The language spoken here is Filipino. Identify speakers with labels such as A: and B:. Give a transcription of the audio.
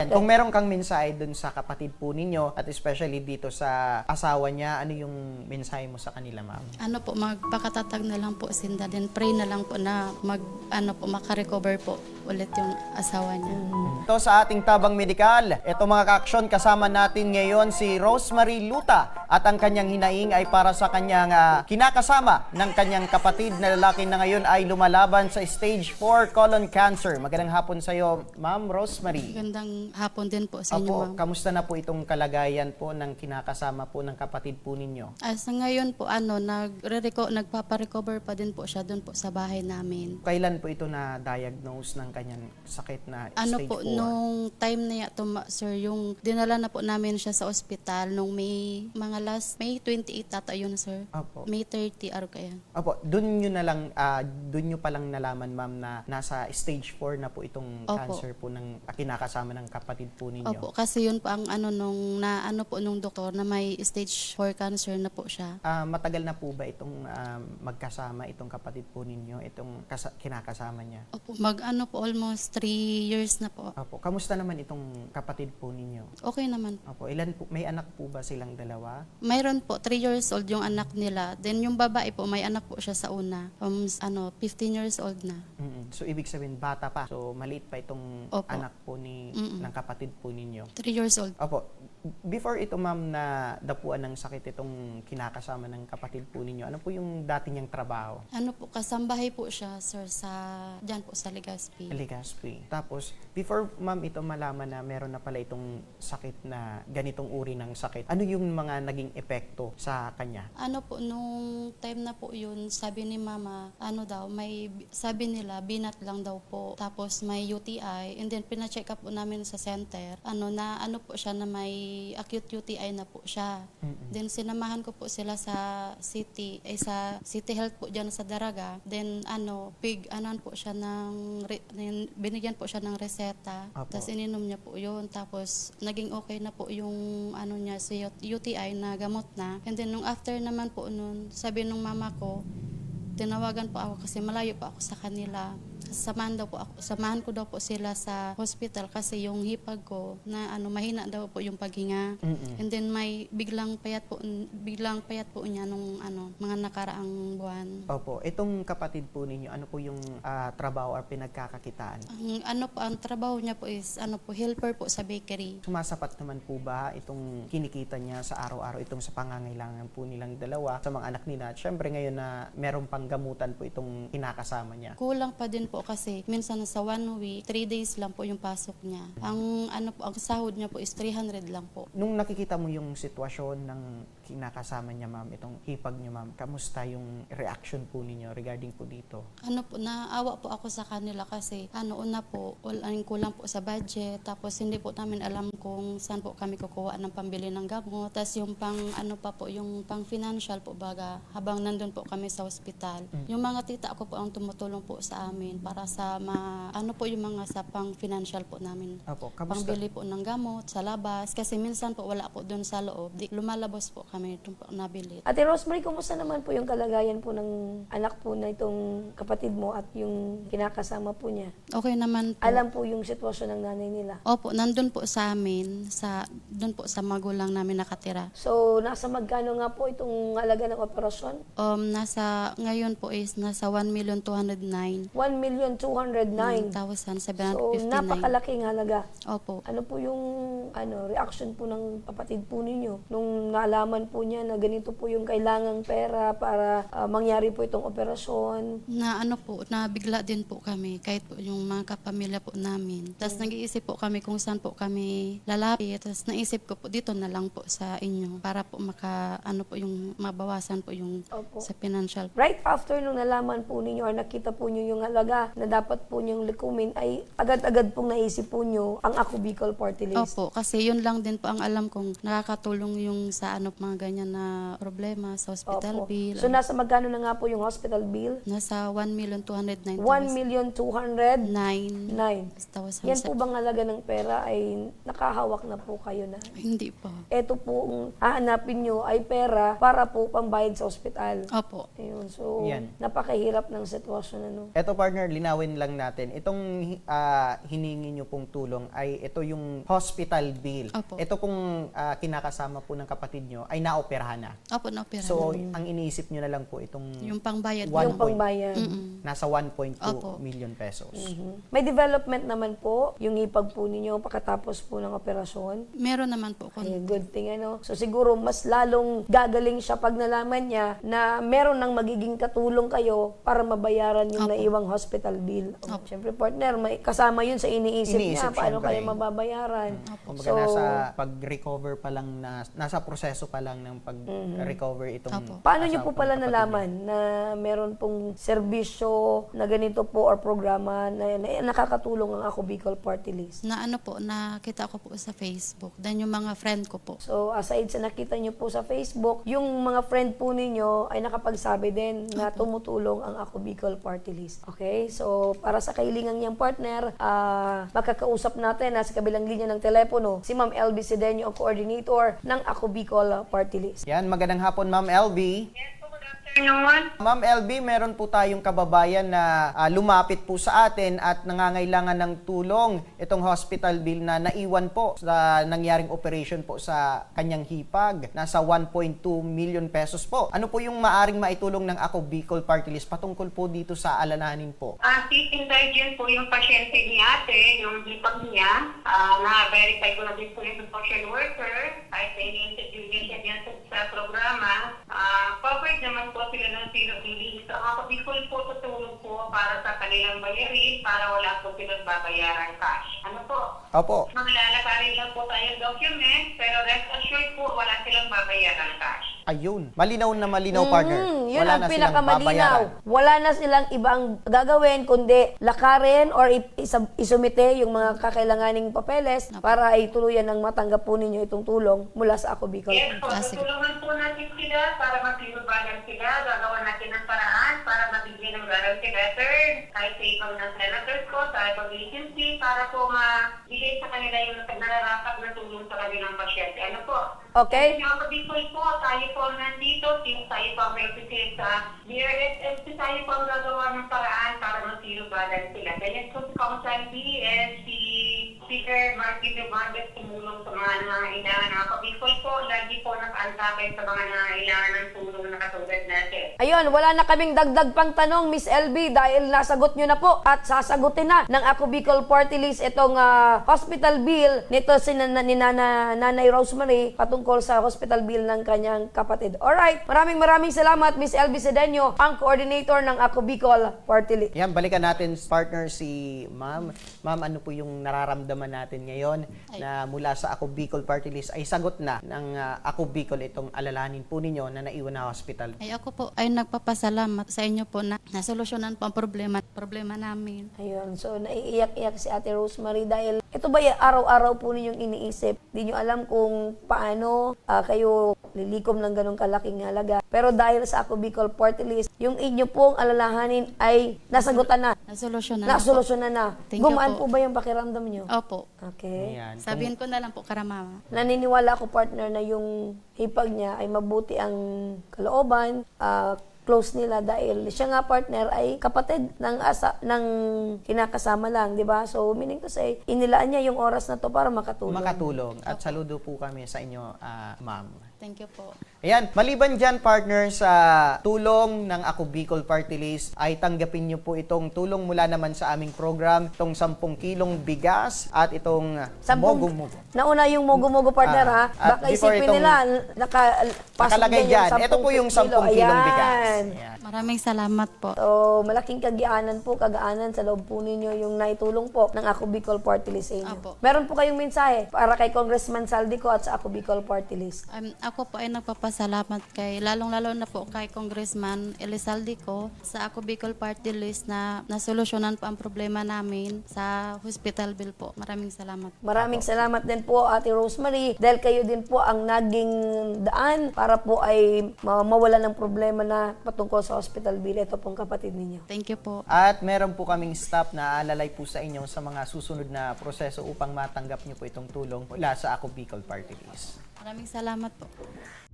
A: Kung meron kang mensahe dun sa kapatid po ninyo at especially dito sa asawa niya, ano yung mensahe mo sa kanila, ma'am?
B: Ano po, magpakatatag na lang po sinda, then pray na lang po na makarecover po ulit yung asawa niya.
A: Ito sa ating tabang medikal. Ito mga ka-aksyon, kasama natin ngayon si Rosemary Luta at ang kanyang hinaing ay para sa kanyang kinakasama ng kanyang kapatid na lalaki na ngayon ay lumalaban sa stage 4 colon cancer. Magandang hapon sa iyo, Ma'am Rosemary.
B: Magandang hapon din po sa inyo,
A: Apo,
B: ma'am.
A: kamusta na po itong kalagayan po ng kinakasama po ng kapatid po ninyo?
B: Sa ngayon po, nagpaparecover pa din po siya doon po sa bahay namin.
A: Kailan po ito na-diagnose ng kanyang sakit na
B: Ano
A: stage
B: po,
A: 4?
B: nung time na sir, yung dinala na po namin siya sa ospital nung May 28 tata yun, sir.
A: Apo.
B: May 30, araw kaya.
A: Opo, doon nyo palang nalaman, ma'am, na nasa stage 4 na po itong
B: Opo.
A: cancer po ng kinakasama ng kapatid po ninyo.
B: Opo, kasi yun po ang nung doktor na may stage 4 cancer na po siya.
A: Matagal na po ba itong magkasama itong kapatid po ninyo, itong kinakasama niya?
B: Opo, almost 3 years na po.
A: Opo, kamusta naman itong kapatid po ninyo?
B: Okay naman.
A: Opo, may anak po ba silang dalawa?
B: Mayroon po, 3 years old yung anak nila. Then yung babae po, may anak po siya sa una. 15 years old na.
A: So, ibig sabihin, bata pa. So, maliit pa itong
B: Opo.
A: anak po ng kapatid po ninyo.
B: 3 years old.
A: Opo. Before ito, ma'am, na dapuan ng sakit itong kinakasama ng kapatid po ninyo, ano po yung dati niyang trabaho?
B: Kasambahay po siya, sir, dyan po sa Legazpi.
A: Legazpi. Tapos, before, ma'am, ito malaman na meron na pala itong sakit na ganitong uri ng sakit, ano yung mga naging epekto sa kanya?
B: Nung time na po yun, sabi ni mama, sabi nila, binat lang daw po. Tapos may UTI, and then pina-check up po namin sa center, po siya na may acute UTI na po siya. Then sinamahan ko po sila sa city health po dyan sa Daraga. Then binigyan po siya ng reseta.
A: Apo.
B: Tapos ininom niya po yun. Tapos naging okay na po yung si UTI na gamot na. And then nung after naman po nun, sabi nung mama ko, tinawagan po ako kasi malayo po ako sa kanila. Samahan ko daw po sila sa hospital kasi yung hipag ko na mahina daw po yung paghinga. And then may biglang payat po niya nung mga nakaraang buwan.
A: Opo. Itong kapatid po ninyo, ano po yung trabaho or pinagkakakitaan?
B: Ang trabaho niya po is helper po sa bakery.
A: Sumasapat naman po ba itong kinikita niya sa araw-araw, itong sa pangangailangan po nilang dalawa, sa mga anak nila? At syempre ngayon na meron pang gamutan po itong kinakasama niya.
B: Kulang pa din po kasi minsan sa 1 week, 3 days lang po yung pasok niya. Ang sahod niya po is 300 lang po.
A: Nung nakikita mo yung sitwasyon ng kinakasama niya, ma'am, itong hipag niyo, ma'am, kamusta yung reaction po ninyo regarding po dito?
B: Naawa po ako sa kanila kasi una po, kulang po sa budget, tapos hindi po namin alam kung saan po kami kukuha ng pambili ng gamot. Tapos yung yung pang financial po baga, habang nandun po kami sa ospital. Yung mga tita ko po ang tumutulong po sa amin para sa yung mga sa pang financial po namin.
A: Opo, kamusta?
B: Pangbili po ng gamot sa labas kasi minsan po wala po doon sa loob. Lumalabas po kami doon po nabili.
C: Ate Rosemary, kumusta naman po yung kalagayan po ng anak po na itong kapatid mo at yung kinakasama po niya?
B: Okay naman po.
C: Alam po yung sitwasyon ng nanay nila?
B: Opo, nandun po sa amin, doon po sa magulang namin nakatira.
C: So, nasa magkano nga po itong halaga ng operasyon?
B: Ngayon po is nasa 1,209,759.
C: 1,209,000. So, napakalaking halaga.
B: Opo.
C: Ano po yung reaction po ng kapatid po ninyo nung nalaman po niya na ganito po yung kailangang pera para mangyari po itong operasyon?
B: Nabigla din po kami kahit po yung mga kapamilya po namin. Tapos nag-iisip po kami kung saan po kami lalapit. Tapos naisip ko po dito na lang po sa inyo para po yung mabawasan po yung
C: Opo.
B: sa financial.
C: Right after nung nalaman po ninyo or nakita po niyo yung halaga na dapat po niyong likumin, ay agad-agad pong naisip po niyo ang Ako Bicol Party List.
B: Opo, kasi yun lang din po ang alam kong nakakatulong yung sa mga ganyan na problema sa hospital
C: Opo.
B: bill.
C: So nasa magkano na nga po yung hospital bill?
B: Nasa 1,209,000.
C: 1,209,000.
B: 9,000.
C: Yan po bang halaga ng pera ay nakahawak na po kayo na?
B: Hindi pa.
C: Ito po ang hahanapin nyo ay pera para po pambayad sa ospital.
B: Opo.
C: Ayun, so
A: Yan.
C: napakahirap ng sitwasyon ano.
A: Eto partner, linawin lang natin. Itong hiningi nyo pong tulong ay ito yung hospital bill.
B: Opo.
A: Ito pong kinakasama po ng kapatid nyo ay naoperahan na.
B: Opo, na-opera.
A: So, ang iniisip nyo na lang po itong
B: yung pangbayad.
A: One
C: Yung
A: point.
C: pangbayad.
A: nasa 1.2
B: Opo.
A: million pesos.
C: May development naman po yung ipag po ninyo pagkatapos po ng operasyon.
B: Meron naman po.
C: Ay, good thing ano. So siguro mas lalong gagaling siya pag nalaman niya na meron ng magiging katulong kayo para mabayaran yung
B: Opo.
C: naiwang hospital bill. Siyempre partner, may kasama yun sa iniisip niya.
A: Iniisip,
C: Paano
A: syempre.
C: kayo mababayaran?
A: Kumbaga nasa pag-recover pa lang, nasa proseso pa lang ng pag-recover itong
B: Opo.
C: Paano niyo po
A: asawang
C: pala
A: kapatid niya.
C: nalaman na meron pong serbisyo na ganito po or programa na nakakatulong ang Ako Bicol Party List?
B: Na ano po, nakita ko po sa Facebook. Then yung mga friend ko po.
C: So, aside sa nakita niyo po sa Facebook, yung mga friend po ninyo ay nakapagsabi din na tumutulong ang Ako Bicol Party List. Okay? So, para sa kailingan niyang partner, makakausap natin sa kabilang linya ng telepono si Ma'am LB Sedeño, ang coordinator ng Ako Bicol Party List.
A: Yan, magandang hapon Ma'am LB. Ma'am LB, meron po tayong kababayan na lumapit po sa atin at nangangailangan ng tulong itong hospital bill na naiwan po sa nangyaring operation po sa kanyang hipag. Nasa 1.2 million pesos po. Ano po yung maaring maitulong ng Ako Bicol Party List patungkol po dito sa alalahanin po?
D: Indigent po yung pasyente ni ate, yung hipag niya. Na-verify ko na din po yung social worker. Kahit na ini-interview niya siya sa programa. Covered naman po sila ng zero billing. So, ako Bicol po tutulong po para sa kanilang bayarin para wala po silang babayaran cash. Ano po?
A: Opo.
D: Maglalakarin lang po tayong document, pero rest assured po wala silang babayaran cash.
A: Ayun. Malinaw na malinaw, partner.
C: Yun
A: Wala
C: ang
A: na silang
C: pinakamalinaw.
A: babayaran.
C: Wala na silang ibang gagawin kundi lakarin or isumite yung mga kakailanganing papeles para ay tuluyan ng matanggap po ninyo itong tulong mula sa Ako Bicol.
D: Yes po,
B: Sige.
D: tutulungan po natin sila para mag-inubalan sila. Gagawa natin ng paraan para mabigyan ng guarantee letter kahit sa ibang ng senators ko, sa ibang agency, para po mabigay sa kanila yung nararapat na tulong sa kanilang pasyente. Ano po?
C: Okay?
D: Yung Ako Bicol po, tayo po nandito, since tayo po ang represent sa DRSS, tayo po ang gagawa ng paraan para mag-inubalan sila. Ganyan po si Council B and si Speaker Martin Romualdez tumulong sa mga nangangailangan ng Ako Bicol po. Lagi po nakaantakay sa mga nangangailangan ng tulong na katulad natin.
C: Ayun, wala na kaming dagdag pang tanong, Miss LB, dahil nasagot nyo na po at sasagutin na ng Ako Bicol Party List itong hospital bill nito ni Nanay Rosemary patungkol sa hospital bill ng kanyang kapatid. Alright, maraming salamat, Miss LB Sedeño, ang coordinator ng Ako Bicol Party List.
A: Yan, balikan natin partner si Ma'am. Ma'am, ano po yung nararamdaman natin ngayon na mula sa Ako Bicol Party List ay sagot na ng Ako Bicol itong alalahanin po ninyo na naiwan na hospital?
B: Ay ako po ay nagpapasalamat sa inyo po na nasolusyonan po ang problema namin.
C: Ayun, so naiiyak-iyak si Ate Rosemary dahil ito ba yung araw-araw po ninyong iniisip? Di nyo alam kung paano kayo lilikom ng ganong kalaking halaga. Pero dahil sa Ako Bicol Party List, yung inyo pong alalahanin ay nasagutan na,
B: Nasolusyonan na po.
C: nasolusyonan na.
B: Thank you
C: Gumaan
B: po.
C: po ba yung pakiramdam nyo?
B: Opo.
C: Okay.
A: Ayan.
B: Sabihin ko na lang po karamama.
C: Naniniwala ako, partner, na yung hipag niya ay mabuti ang kalooban, close nila dahil siya nga, partner, ay kapatid ng kinakasama lang, di ba? So, meaning to say, inilaan niya yung oras na to para makatulong.
A: Makatulong. At saludo po kami sa inyo, Ma'am.
B: Thank you po.
A: Ayan, maliban dyan partner sa tulong ng Ako Bicol Party List, ay tanggapin nyo po itong tulong mula naman sa aming program, itong 10 kilong bigas at itong mogo-mogo.
C: Nauna yung mogo-mogo, partner, ha?
A: At
C: Baka
A: before
C: isipin
A: itong
C: nila, nakapasok
A: Nakalagay
C: din
A: dyan,
C: yung
A: ito po yung 10 kilong bigas.
C: Ayan.
A: Ayan.
B: Maraming salamat po.
C: So, malaking kagaanan sa loob po ninyo yung naitulong po ng Ako Bicol Party List sa inyo.
B: Apo.
C: Meron po kayong mensahe para kay Congressman Saldico at sa Ako Bicol Party List.
B: Ako po ay nagpapasalamat kay, lalong-lalo na po kay Congressman Elizalde ko sa Ako Bicol Party List na nasolusyonan po ang problema namin sa hospital bill po. Maraming salamat.
C: Maraming salamat din po Ate Rosemary dahil kayo din po ang naging daan para po ay mawala ng problema na patungkol sa hospital bill. Ito pong kapatid ninyo.
B: Thank you po.
A: At meron po kaming staff na aalalay po sa inyo sa mga susunod na proseso upang matanggap niyo po itong tulong mula sa Ako Bicol Party List.
B: Maraming salamat po.